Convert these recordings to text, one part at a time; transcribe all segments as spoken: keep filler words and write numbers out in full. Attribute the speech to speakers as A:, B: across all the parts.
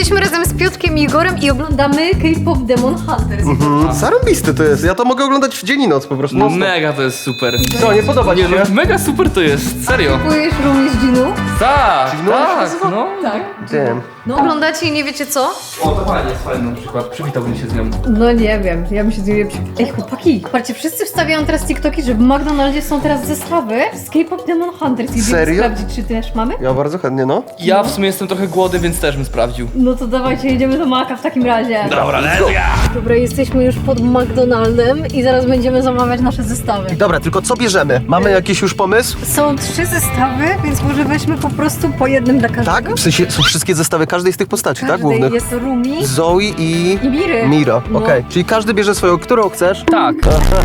A: jesteśmy razem z Piotrkiem i Igorem i oglądamy K-pop Demon Hunters.
B: Mm, zarąbiste to jest. Ja to mogę oglądać w dzień i noc po prostu.
C: No
B: Non-stop.
C: mega to jest super.
B: Co, nie podoba ci
C: Nie,
B: się?
C: no, mega super to jest, serio.
A: Kupujesz Rumi z Ginu?
C: Tak,
B: no,
C: tak,
B: nazywa?
C: no.
A: Tak.
B: Damn.
A: No oglądacie i nie wiecie co?
C: O, to fajnie jest fajne na przykład, przywitałbym się z nią.
A: No nie wiem, ja bym się z nim nie przy... Ej chłopaki, patrzcie, wszyscy wstawiają teraz TikToki, że w McDonaldzie są teraz zestawy z K-pop Demon Hunters. Idziemy
B: Serio?
A: sprawdzić, czy też mamy?
B: Ja bardzo chętnie, no.
C: Ja w sumie jestem trochę głodny, więc też bym sprawdził.
A: No to dawajcie, jedziemy do Maka w takim razie.
C: Dobra, let's go!
A: Dobra, jesteśmy już pod McDonaldem i zaraz będziemy zamawiać nasze zestawy.
B: Dobra, tylko co bierzemy? Mamy jakiś już pomysł?
A: Są trzy zestawy, więc może weźmy po prostu po jednym dla każdego.
B: Tak? W sensie są wszystkie zestawy każdej z tych postaci, tak?
A: Każdej
B: Głównych.
A: jest Rumi
B: Zoe i...
A: i Miry.
B: Mira,
A: No.
B: okej. Czyli każdy bierze swoją, którą chcesz?
C: Tak.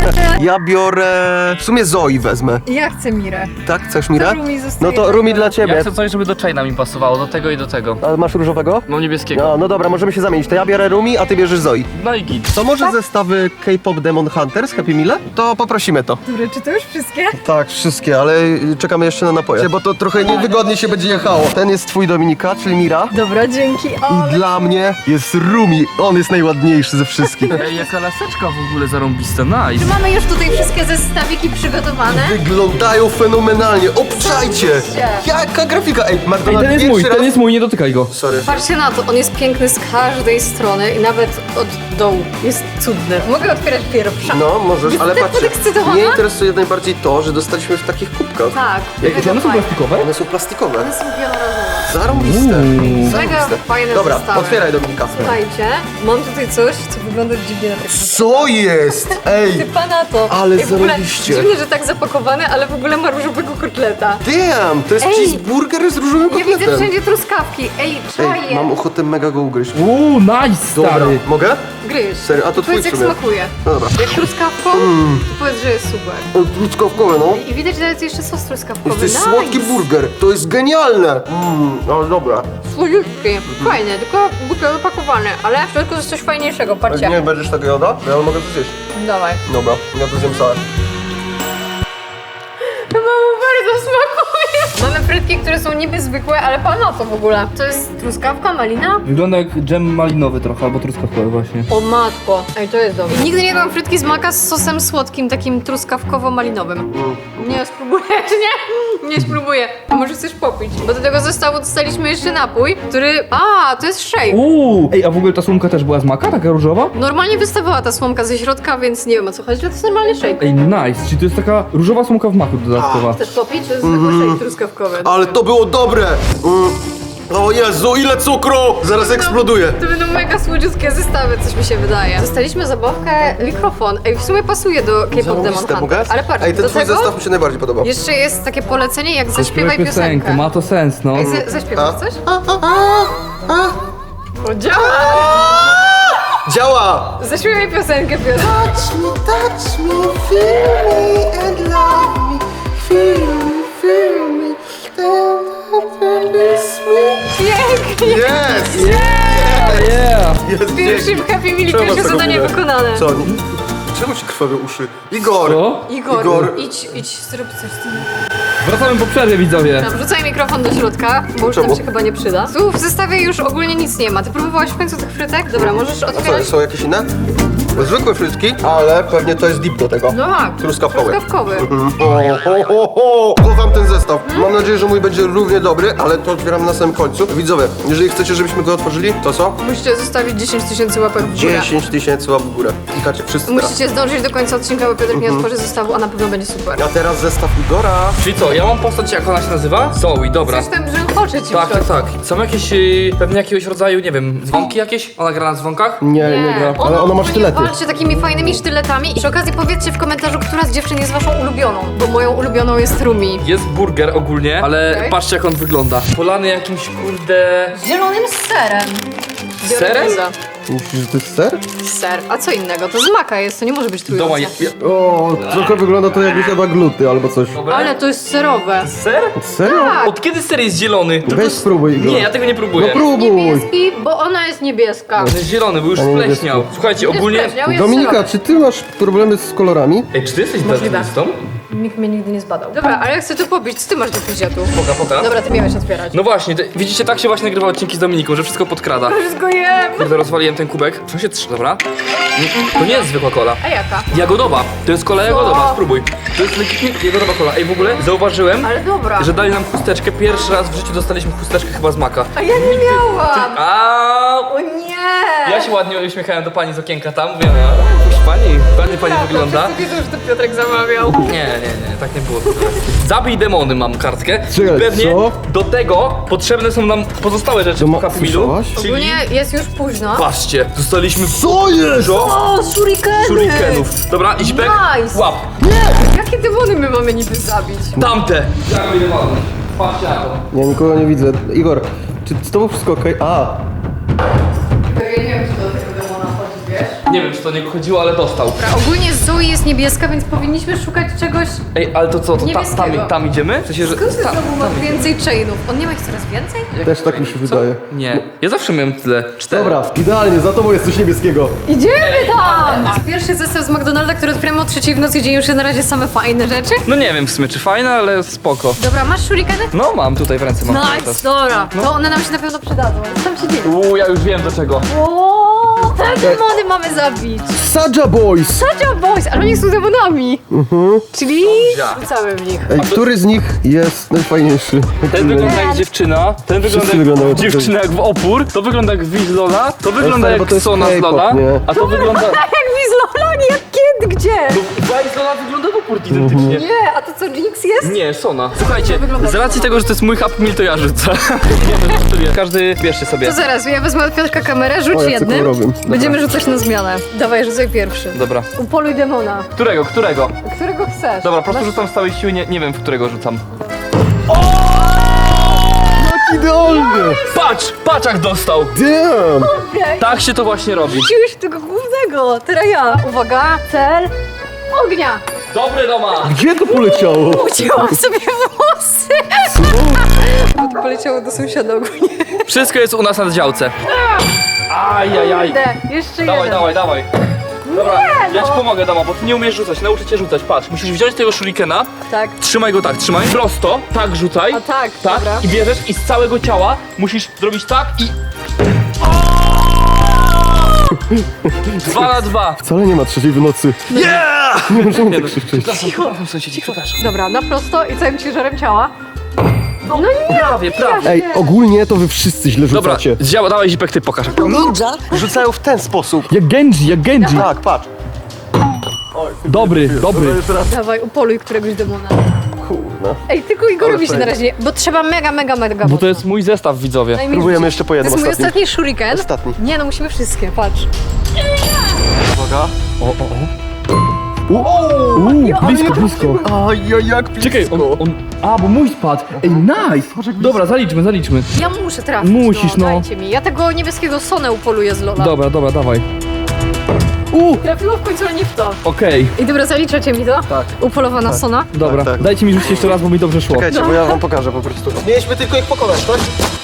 B: Ja biorę... W sumie Zoe wezmę.
A: Ja chcę Mirę.
B: Tak? Chcesz Mirę?
A: To Rumi zostaje
B: No to Rumi dla
C: Ja
B: ciebie.
C: chcę coś, żeby do Chaina mi pasowało, do tego i do tego.
B: A masz różowego?
C: Mam niebieskiego.
B: No, no dobra, możemy się zamienić. To ja biorę Rumi, a ty bierzesz Zoe.
C: No i git.
B: To może zestawy K-pop Demon Hunters Happy Meal? To poprosimy to.
A: Które, czy to już wszystkie?
B: Tak, wszystkie, ale czekamy jeszcze na napoje, bo to trochę niewygodnie się będzie jechało. Ten jest twój, Dominika, czyli Mira.
A: Dobra, dzięki. O,
B: I dla mnie jest Rumi. On jest najładniejszy ze wszystkich.
C: Ej, jaka laseczka w ogóle zarąbista, nice.
A: mamy już tutaj wszystkie zestawiki przygotowane.
B: Wyglądają fenomenalnie. Obczajcie! Jaka grafika! Ej,
C: Ej,
B: McDonald's
C: ten jest mój,
B: pierwszy
C: ten
B: raz...
C: jest mój, nie dotykaj go.
B: Sorry.
A: Patrzcie na to, on jest piękny z każdej strony i nawet od dołu. Jest cudny. Mogę otwierać pierwsza?
B: No, możesz, ale
A: Jestem
B: patrzcie.
A: podekscytowana?
B: Mnie interesuje najbardziej to, że dostaliśmy w takich kubkach.
A: Tak.
C: Jakie
A: mega
C: one są
A: fajne.
C: plastikowe?
B: One są plastikowe.
A: One są wielorazowe.
B: Zarąbiste.
C: Uuu.
A: Mega
B: Zarąbiste.
A: fajne
B: Dobra,
A: zestawy.
B: otwieraj, Dominika.
A: Słuchajcie, mam tutaj coś, co wygląda dziwnie na tak.
B: Co jest? Ej!
A: Typa na to.
B: Ale
A: Ej, w ogóle
B: zarobiście.
A: dziwnie, że tak zapakowane, ale w ogóle ma różowego kotleta.
B: Damn! To jest
A: Ej!
B: cheeseburger z różowym
A: Ja widzę
B: kotletem.
A: wszędzie truskawki. Ej,
B: Ej,
A: czaję.
B: mam ochotę mega go ugryźć.
C: Uuu, nice,
B: Dobra,
C: stary.
B: mogę?
A: Gryź.
B: Serio? A to twój
A: Powiedz, jak
B: w sumie.
A: smakuje.
B: No dobra.
A: Jak truskawką, to powiedz, że jest super.
B: O, truskawkowe, no.
A: I widać, że jest jeszcze sos truskawkowy.
B: To jest
A: Nice.
B: słodki burger. To jest genialne. Mmm, ale dobra.
A: Słodziutki. Fajny, tylko głupio zapakowane, ale w środku jest coś fajniejszego,
B: Jak
A: patrzcie.
B: nie będziesz tego jada, to ja mogę to zjeść.
A: Dawaj.
B: Dobra, ja to zjem całe.
A: Chyba mu bardzo smakuje. Mamy frytki, które są niby zwykłe, ale pan na to w ogóle. To jest truskawka, malina?
C: Wygląda jak dżem malinowy trochę, albo truskawkowy właśnie.
A: O matko. Ej, to jest dobre. Nigdy nie jadłam frytki z maka z sosem słodkim, takim truskawkowo-malinowym. Nie, spróbujesz, nie? Nie spróbuję. A może chcesz popić? Bo do tego zestawu dostaliśmy jeszcze napój, który... A, to jest shake.
C: Uuu. Ej, a w ogóle ta słomka też była z maka, taka różowa?
A: Normalnie wystawała ta słomka ze środka, więc nie wiem o co chodzi, ale to jest normalnie shake.
C: Ej, nice, czyli to jest taka różowa słomka w maku dodatkowa.
A: Chcesz popić? To jest zwykły shake truskawkowy.
B: Ale to było dobre! Mm. O Jezu, ile cukru! Zaraz eksploduje.
A: To będą mega słodziutkie zestawy, coś mi się wydaje. Dostaliśmy zabawkę, mikrofon. Ej, w sumie pasuje do K-pop Demon
B: Zarąbiste, mogę?
A: Hunter. Ale patrz,
B: Ej, ten
A: do
B: twój
A: tego
B: zestaw mi się najbardziej podoba.
A: jeszcze jest takie polecenie, jak zaśpiewaj
C: Zaśpiewaj
A: piosenkę.
C: ma to sens, no.
A: Ej, za, zaśpiewasz
B: A?
A: coś?
B: A, a, a, a.
A: O, działa!
B: Działa!
A: Zaśpiewaj piosenkę, Piotr.
B: Touch me, touch me, feel me and love me. Feel me, feel me, and release me.
A: Pięknie!
B: Jest!
C: Yeah!
B: Jest
A: Pierwszym Happy Meal,
B: Czemu masz
A: pierwsze
B: taką
A: zadanie
B: minę?
A: wykonane.
B: Co? Czemu ci krwawią uszy? Igor!
C: Co?
A: Igor,
B: Igor.
A: idź, idź, zrób coś z tym.
C: Wracamy po przerwie, widzowie.
A: Dobra, wrzucaj mikrofon do środka, bo już
B: Czemu?
A: tam się chyba nie przyda. Tu w zestawie już ogólnie nic nie ma. Ty próbowałaś w końcu tych frytek? Dobra, możesz
B: A co,
A: otwierać.
B: są jakieś inne? Zwykłe frytki, ale pewnie to jest dip do tego.
A: No tak,
B: Truskawkowy.
A: truskawkowy.
B: Mhm. O, o, o, o. Kocham ten zestaw. Mam nadzieję, że mój będzie równie dobry, ale to otwieram na samym końcu. Widzowie, jeżeli chcecie, żebyśmy go otworzyli, to co?
A: Musicie zostawić dziesięć tysięcy łapek w górę.
B: dziesięć tysięcy łap w górę. Klikacie wszyscy teraz.
A: Musicie zdążyć do końca odcinka, bo Piotr nie otworzy zestawu, a na pewno będzie super.
B: A teraz zestaw Igora.
C: Czyli co, ja mam postać, jak ona się nazywa? Zoe, dobra.
A: Coś tam brzękocze ci
C: Tak,
A: w
C: tak,
A: środku.
C: tak. Są jakieś, y, pewnie jakiegoś rodzaju, nie wiem, dzwonki jakieś? Ona gra na dzwonkach?
B: Nie, nie, gra. Ale ona ma sztylety.
A: Walczy takimi fajnymi sztyletami. I przy okazji powiedzcie w komentarzu, która z dziewczyn jest waszą ulubioną, bo moją ulubioną jest Rumi.
C: Jest burger ogólnie, ale
A: Okej.
C: patrzcie jak on wygląda. Polany jakimś, kurde...
A: Z zielonym serem.
C: Z serem?
A: Dioreza.
B: Myślisz, że to jest ser?
A: Ser. A co innego? To z maka jest, to nie może być trójkąt.
C: Doła, ja, ja,
B: O, trochę wygląda to jakby chyba gluty albo coś.
C: dobra.
A: Ale to jest serowe.
C: Ser?
B: Serio?
A: Tak.
C: Od kiedy ser jest zielony? Tylko
B: Weź
C: z-
B: spróbuj, Igor.
C: Nie, ja tego nie próbuję.
B: No próbuj.
A: Niebieski, bo ona jest niebieska.
C: On jest zielony, bo już
B: A nie
C: spleśniał. Słuchajcie,
A: Jest
C: ogólnie...
A: spleśniał, jest
B: Dominika,
A: serowy.
B: czy ty masz problemy z kolorami?
C: Ej, czy ty jesteś
A: Możliwe.
C: daltonistą?
A: Nikt mnie nigdy nie zbadał. Dobra, ale ja chcę to pobić. Co ty masz do picia tu?
C: Poka, poka.
A: Dobra, ty miałeś otwierać.
C: No właśnie, te, widzicie, tak się właśnie nagrywa odcinki z Dominiką, że wszystko podkrada.
A: Wszystko jem.
C: Kurde, rozwaliłem ten kubek. Co się trzy, dobra? Mm, To nie jest zwykła kola.
A: A jaka?
C: Jagodowa. To jest kola jagodowa, spróbuj. To jest legitnie jagodowa kola. Ej, w ogóle zauważyłem,
A: Ale dobra.
C: że dali nam chusteczkę. Pierwszy raz w życiu dostaliśmy chusteczkę chyba z maka.
A: A ja nie miałam.
C: A
A: O nie.
C: ja się ładnie uśmiechałem do pani z okienka tam, mówię, no, proszę pani, ładnie pani wygląda.
A: Wszyscy wiedzą, że to Piotrek zamawiał.
C: Nie, nie, nie, tak nie było. Zabij demony, mam kartkę.
B: Czekaj,
C: I pewnie
B: co?
C: do tego potrzebne są nam pozostałe rzeczy w Happy Mealu.
B: Słyszałaś?
C: Czyli,
A: Ogólnie jest już późno.
C: patrzcie, dostaliśmy
B: Co jest?
C: dużo
A: O, shurikeny.
C: shurikenów. Dobra, Izbek,
A: Nice.
C: łap.
A: Jakie demony my mamy niby zabić?
C: Tamte. Zabij demony. Patrzcie na to.
B: Nie, nikogo nie widzę. Igor, czy z tobą wszystko okej? A,
A: Ja nie wiem, czy do tego demona chodzi, wiesz?
C: Nie wiem, czy to niego chodziło, ale dostał.
A: Dobra, ogólnie Zoe jest niebieska, więc powinniśmy szukać czegoś...
C: Ej, ale to co, to ta,
A: Niebieskiego.
C: tam, tam idziemy? W sensie, że...
A: Skąd ty
C: ta-
A: znowu ma więcej chainów? On nie ma ich coraz więcej?
B: też tak mi się wydaje.
C: Nie, ja zawsze miałem tyle. Cztery.
B: Dobra, idealnie, za tobą jest coś niebieskiego.
A: Idziemy tam! Pierwszy zestaw z McDonalda, który otwieramy o trzeciej w nocy, gdzie już na razie same fajne rzeczy.
C: No nie wiem w sumie, czy fajne, ale spoko.
A: Dobra, masz shurikeny?
C: No mam tutaj w ręce, mam cały
A: Nice,
C: czas.
A: dobra. To one nam się na pewno przydadzą. Co tam się dzieje?
C: Uuu, ja już wiem do czego.
A: O, te demony mamy zabić.
B: Saja Boys!
A: Saja Boys, ale oni są demonami. Czyli rzucamy w nich.
B: Ej, który z nich jest najfajniejszy?
C: Ten wygląda jak dziewczyna, ten wygląda
B: wyglądają
C: jak
B: tak.
C: dziewczyna jak w opór, to wygląda jak Wiz Lola, to wygląda
B: stary, bo
C: jak
B: to jest
C: Sona z
B: K-pop,
C: Lola,
B: nie?
C: a to wygląda...
A: Jak Wizlola, nie jak kiedy, gdzie?
C: Wiz Lola wygląda w opór identycznie.
A: Nie, a to co, Jinx jest?
C: Nie, Sona. Słuchajcie,
A: wygląda
C: z racji tego, że to jest mój Happy Meal, to ja rzucę. Nie, no, żartuję. Każdy bierzcie sobie.
A: To zaraz, ja wezmę od Piotrka kamerę, rzuć
B: O, ja
A: jednym.
B: tylko robię.
A: Będziemy rzucać na zmianę. Dawaj, rzucaj pierwszy.
C: Dobra.
A: Upoluj demona.
C: Którego, którego?
A: Którego chcesz?
C: Dobra, po prostu rzucam z całej siły, nie, nie wiem w którego rzucam.
B: Idealnie!
C: Patrz, paczak dostał.
B: Damn!
A: Okej.
C: Tak się to właśnie robi.
A: Rzuciłeś tego głównego, teraz ja. Uwaga, cel. Ognia.
C: Dobry doma.
B: Gdzie to poleciało?
A: Ucięłam sobie włosy. Bo to poleciało do sąsiada ogólnie.
C: Wszystko jest u nas na działce. Ajajaj.
A: Kurde, jeszcze
C: Dawaj,
A: jeden.
C: dawaj, dawaj. Dobra,
A: Nie,
C: ja ci
A: no.
C: pomogę, dama, bo ty nie umiesz rzucać, nauczę cię rzucać. Patrz, musisz wziąć tego shurikena,
A: Tak.
C: trzymaj go tak, trzymaj. Prosto, tak rzucaj.
A: A tak,
C: tak.
A: dobra.
C: I bierzesz i z całego ciała musisz zrobić tak i... Dwa na dwa.
B: Wcale nie ma trzeciej w nocy.
C: Yeah!
B: Nie możemy tak krzyczeć.
C: Przepraszam, sąsiedzi, przepraszam.
A: Dobra, na prosto i całym ciężarem ciała. No nie,
C: Prawie, prawie.
B: Ej, ogólnie to wy wszyscy źle
C: Dobra,
B: rzucacie.
C: zdziała, dawaj Zipek, ty pokaż.
D: Ninja rzucają w ten sposób.
B: Jak Genji, jak Genji.
D: Tak, patrz.
C: Dobry, dobry.
A: Dawaj, upoluj któregoś demona.
B: Kurna.
A: Ej, tylko Igorowi się na razie nie... Bo trzeba mega, mega, mega
C: Bo
A: mocno.
C: to jest mój zestaw, widzowie.
A: Daj mi
B: Próbujemy
A: rzucić.
B: jeszcze po
A: To
B: jednym
A: jest mój
B: ostatnim.
A: ostatni shuriken.
B: Ostatni.
A: Nie no, musimy wszystkie, patrz.
D: Uwaga.
B: Uuu, blisko, blisko.
D: Aj, aj, jak blisko.
C: Czekaj, on, on... A, bo mój spadł. Ej, nice. Dobra, zaliczmy, zaliczmy.
A: Ja muszę trafić,
C: Musisz, no.
A: Dajcie mi. Ja tego niebieskiego Sonę upoluję z Lola.
C: Dobra, dobra, dawaj.
A: Trafiło w końcu, ale nie w to.
C: Okej,
A: I dobra, zaliczacie mi to?
D: Tak.
A: Upolowana Sona.
C: dobra.
D: Tak, tak.
C: Dajcie mi rzucić jeszcze raz, bo mi dobrze szło.
D: Czekajcie, bo ja wam pokażę po prostu. Mieliśmy tylko ich pokonać, tak?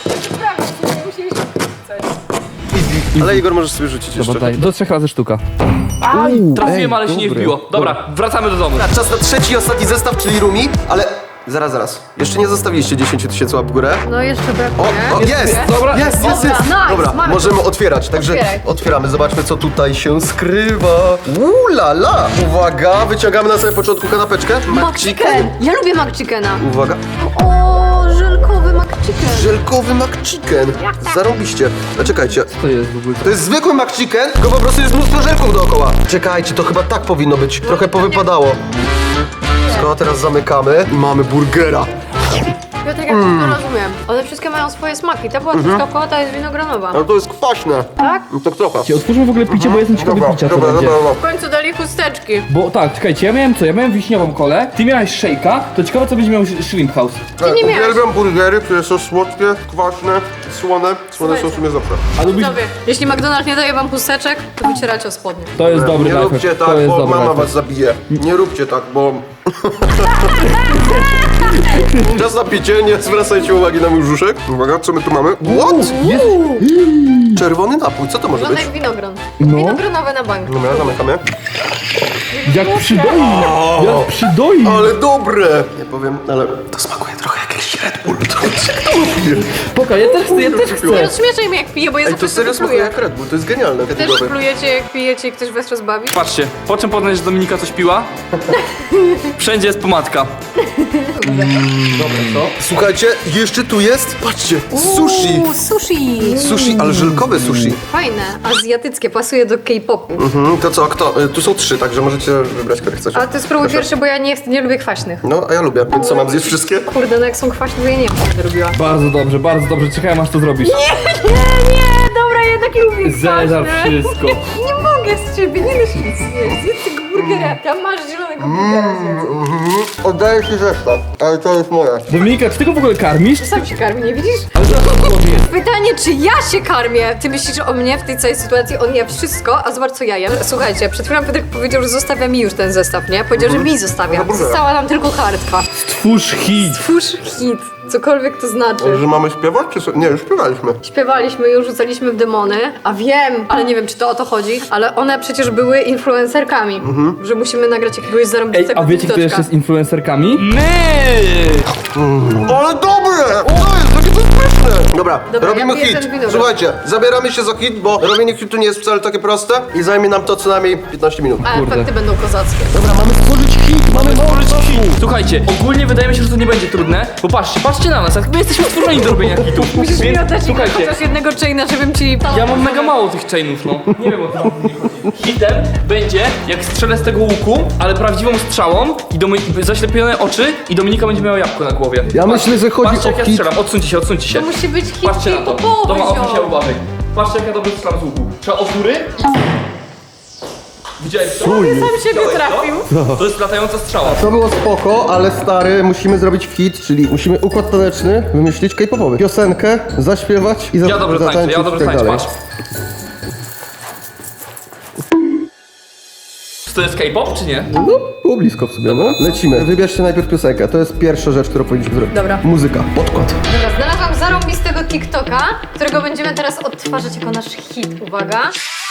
D: Ale Igor możesz sobie rzucić jeszcze.
C: Dobra, daj. Do trzech razy sztuka. Aj, trafiłem,
B: ej,
C: ale się nie
B: dobre,
C: wbiło. Dobra, wracamy do domu.
D: Dobra, czas na trzeci i ostatni zestaw, czyli Rumi, ale... Zaraz, zaraz. Jeszcze nie zostawiliście dziesięć tysięcy łap w górę.
A: No jeszcze
D: O,
A: brakuje.
D: o, jest!
C: Dobra.
D: Jest, jest,
A: Dobra,
D: jest!
A: nice,
D: Dobra,
A: mamy
D: możemy otwierać, także
A: Otwieraj.
D: otwieramy, zobaczmy co tutaj się skrywa. Uuu la la! Uwaga, wyciągamy na samym początku kanapeczkę.
A: McChicken. Ja lubię McChickena.
D: Uwaga,
A: O, żelkowy McChicken.
D: żelkowy McChicken. Zarobiście. A czekajcie,
C: To jest w ogóle.
D: to jest zwykły McChicken, tylko po prostu jest mnóstwo żelków dookoła. Czekajcie, to chyba tak powinno być. Trochę powypadało. Skoro teraz zamykamy i mamy burgera.
A: Piotrek, ja mm. to rozumiem. One wszystkie mają swoje smaki. Ta była truskawkowa, ta jest winogranowa.
D: Ale to jest kwaśne.
A: Tak?
D: No tak trochę.
C: Otwórzmy w ogóle picie, bo jestem ciekawy
D: Dobra,
C: picia, co
D: dobra,
C: będzie.
D: dobra, dobra.
A: W końcu dali chusteczki.
C: Bo tak, czekajcie, ja miałem co? Ja miałem wiśniową kolę, ty miałeś szejka, to ciekawe co będzie miał Shrimp House.
A: Ty nie miałeś.
D: Uwielbiam burgery, które są słodkie, kwaśne, słone. Słone są w sumie zawsze.
C: A lubisz...
A: Sobie, jeśli McDonald's nie daje wam chusteczek, to wycieracie o spodnie.
C: To jest dobry
D: Nie
C: lifehack,
D: róbcie tak,
C: to jest
D: bo
C: dobry
D: mama
C: lifehack.
D: was zabije. Nie róbcie tak, bo... Czas na picie, nie zwracajcie uwagi na mój brzuszek. Uwaga, co my tu mamy? What? czerwony napój, co to może
A: Wygląda
D: być?
A: jak winogron.
E: No.
A: Winogronowe na bank.
D: Dobra, zamykamy.
E: Jak przydoi! Jak przydoi!
D: Ale dobre! Nie powiem, ale to smakuje trochę jak jakiś Red Bull.
E: Pokaż, ja też chcę, ja też
A: Nie
E: chcę.
A: rozśmieszaj mnie jak piję, bo ja
D: Ej,
A: zawsze
D: to serio
A: sobie
D: smakuje
A: pluję.
D: jak Red Bull, to jest genialne.
A: Też
D: Red Bull.
A: plujecie jak pijecie i ktoś was rozbawi?
C: Patrzcie, po czym poznać, że Dominika coś piła? Wszędzie jest pomadka.
E: Dobra, co?
D: Słuchajcie, jeszcze tu jest, patrzcie, sushi.
A: Uuu, sushi.
D: Sushi, ale żelkowe sushi.
A: Fajne, azjatyckie, pasuje do K-popu.
D: Mhm, to co, kto? Y, Tu są trzy, także możecie wybrać, które chcecie.
A: Ale ty spróbuj pierwsze, bo ja nie, nie lubię kwaśnych.
D: No, a ja lubię, więc co, mam zjeść wszystkie?
A: Kurde, no jak są kwaśne, to ja nie wiem, co będę robiła.
E: Bardzo dobrze, bardzo dobrze. Czekaj, aż to zrobisz.
A: Nie, nie, dobra, jednak lubię
E: Zeżar
A: kwaśne.
E: wszystko.
A: Nie mogę z ciebie, nie wiesz nic zjeść. Zjedz tego burgera, tam masz zielonego burgera zjedz.
D: Mhm, oddaję ci zestaw, ale to jest moje.
E: Dominika, czy ty go w ogóle karmisz?
A: Sam się karmi, nie widzisz?
E: Ale zaraz powiedz.
A: Pytanie, czy ja się karmię? Ty myślisz o mnie w tej całej sytuacji? On je wszystko, a zobacz co ja jem. Słuchajcie, przed chwilą Piotrek powiedział, że zostawia mi już ten zestaw, nie? Powiedział, że mi zostawia. Została nam tylko kartka.
E: Stwórz hit.
A: Twórz hit, cokolwiek to znaczy.
D: Że mamy śpiewać, czy co? Nie, już śpiewaliśmy.
A: Śpiewaliśmy, już rzucaliśmy w demony, a wiem, ale nie wiem, czy to o to chodzi, ale one przecież były influencerkami, że musimy nagrać jakiegoś
E: Ej,
A: zarąbistego
E: a wiecie, kto
A: TikToka.
E: jeszcze jest influencerkami?
C: My!
D: Ale dobre! To jest, takie to jest pyszne! Dobra,
A: Dobra,
D: robimy
A: ja piję
D: hit.
A: ten winogron.
D: Słuchajcie, zabieramy się za hit, bo robienie hitu nie jest wcale takie proste i zajmie nam to co najmniej piętnaście minut.
A: A
E: Kurde.
A: efekty będą kozackie.
D: Dobra, mamy stworzyć hit, mamy mało czasu.
C: Słuchajcie, ogólnie wydaje mi się, że to nie będzie trudne, bo patrzcie, patrzcie na nas, jak my jesteśmy stworzeni do robienia hitów.
A: Musisz mi
C: Więc
A: oddać
C: słuchajcie,
A: chociaż jednego chaina, żebym ci...
C: ja mam mega mało tych chainów, no. Nie wiem o co mi chodzi. Hitem będzie, jak strzelę z tego łuku, ale prawdziwą strzałą i Domi- zaślepione oczy i Dominika będzie miała jabłko na głowie.
D: Ja myślę, że chodzi
C: Patrzcie
D: o
C: jak ja
D: hit.
C: strzelam, odsuńcie się, odsuńcie się.
A: To musi być hit
C: Patrzcie na to.
A: K-popowy,
C: Doma, odsuń się
A: ziom.
C: uwagę. Patrzcie jak ja dobrze strzelam z łuku. Trzeba od góry. Widziałeś to?
A: Sam siebie
C: Widziałeś
A: trafił.
C: To? To jest latająca strzała.
D: To było spoko, ale stary, musimy zrobić hit, czyli musimy układ taneczny wymyślić K-popowy. Piosenkę, zaśpiewać i za
C: Ja dobrze tańczę,
D: zatańczyć
C: ja
D: i
C: dobrze
D: tak
C: tańczę,
D: dalej.
C: patrz. Czy to jest K-pop, czy nie?
D: No, było blisko w sumie, no. Lecimy. Wybierzcie najpierw piosenkę. To jest pierwsza rzecz, którą powinniśmy zrobić.
A: Dobra.
D: Muzyka, podkład.
A: Dobra, znalazłam zarąbistego TikToka, którego będziemy teraz odtwarzać jako nasz hit. Uwaga.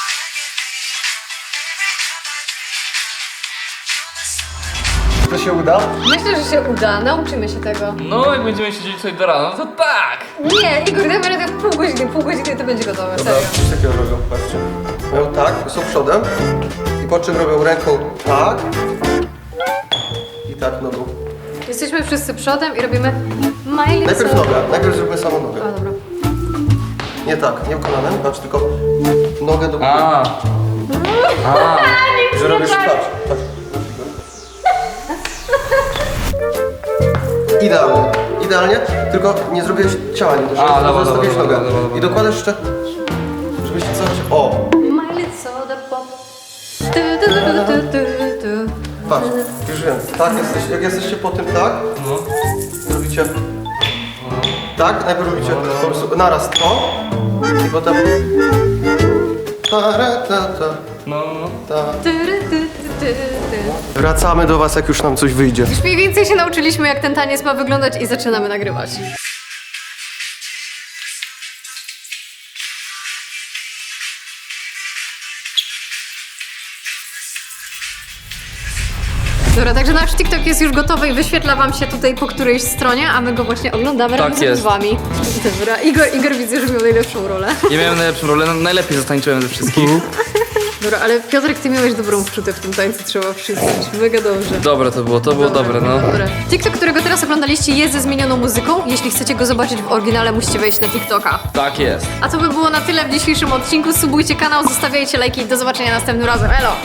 D: To się uda?
A: Myślę, że się uda, nauczymy się tego.
C: No, jak będziemy siedzieć sobie do rana, to tak!
A: Nie, Igor, dajmy radę w pół godziny, pół godziny to będzie gotowe, serio.
D: Coś takiego robią, patrzcie. Robią tak, są przodem i po czym robią ręką tak i tak nogą.
A: Jesteśmy wszyscy przodem i robimy Miley
D: Najpierw
A: Cyrus.
D: nogę, najpierw zróbmy samą nogę.
A: A, dobra.
D: Nie tak, nie kolanem, patrz, tylko nogę do góry.
C: A. A.
D: Że robisz, patrz, patrz. Idealnie, idealnie, tylko nie zrobiłeś ciała, nie doszło,
C: A, dobra,
D: zostawiłeś
C: dobra,
D: nogę.
C: dobra, dobra, dobra.
D: I dokładasz jeszcze, żebyś coś, o,
A: Miley Soda Pop. Tu, tu, tu, tu, tu, tu.
D: patrz, już wiem, tak, jesteś, jak jesteście po tym tak,
C: No.
D: robicie tak, najpierw robicie po prostu naraz to i potem ta, ra, ta, ta,
C: No, no.
D: ta.
A: Tu, tu, tu, tu, tu.
D: Wracamy do was, jak już nam coś wyjdzie.
A: Już mniej więcej się nauczyliśmy, jak ten taniec ma wyglądać i zaczynamy nagrywać. Dobra, także nasz TikTok jest już gotowy i wyświetla wam się tutaj po którejś stronie, a my go właśnie oglądamy
C: Tak
A: razem
C: jest.
A: z wami. Dobra, Igor, Igor widzę, że miał najlepszą rolę.
C: Ja miałem najlepszą rolę, no, najlepiej zatańczyłem ze wszystkich.
A: Dobra, ale Piotrek, ty miałeś dobrą wczutę w tym tańcu, trzeba przyznać. Mega dobrze.
C: Dobre to było, to było dobre, no.
A: Dobra. TikTok, którego teraz oglądaliście, jest ze zmienioną muzyką. Jeśli chcecie go zobaczyć w oryginale, musicie wejść na TikToka.
C: Tak jest.
A: A to by było na tyle w dzisiejszym odcinku. Subujcie kanał, zostawiajcie lajki i do zobaczenia następnym razem. Elo!